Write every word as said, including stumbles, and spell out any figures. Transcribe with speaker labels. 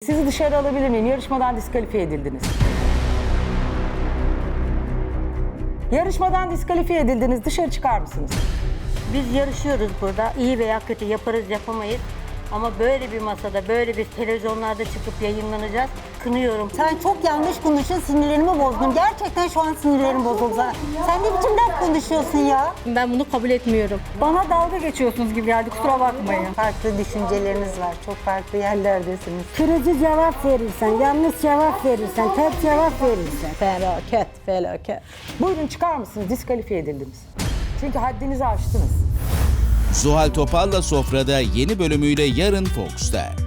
Speaker 1: Sizi dışarı alabilir miyim? Yarışmadan diskalifiye edildiniz. Yarışmadan diskalifiye edildiniz. Dışarı çıkar mısınız?
Speaker 2: Biz yarışıyoruz burada. İyi veya kötü yaparız yapamayız. Ama böyle bir masada, böyle bir televizyonlarda çıkıp yayınlanacağız. Kınıyorum.
Speaker 3: Sen çok yanlış konuştun, sinirlerimi bozdun. Gerçekten şu an sinirlerim bozuldu. Sen ne biçim laf konuşuyorsun ya?
Speaker 2: Ben bunu kabul etmiyorum.
Speaker 4: Bana dalga geçiyorsunuz gibi geldi, kusura bakmayın.
Speaker 3: Farklı düşünceleriniz var, çok farklı yerlerdesiniz.
Speaker 5: Kırıcı cevap verirsen, yanlış cevap verirsen, tek cevap verirsen.
Speaker 3: Felaket, felaket.
Speaker 1: Buyurun çıkar mısınız? Diskalifiye edildiniz. Çünkü haddinizi aştınız.
Speaker 6: Zuhal Topal'la Sofra'da yeni bölümüyle yarın Fox'ta.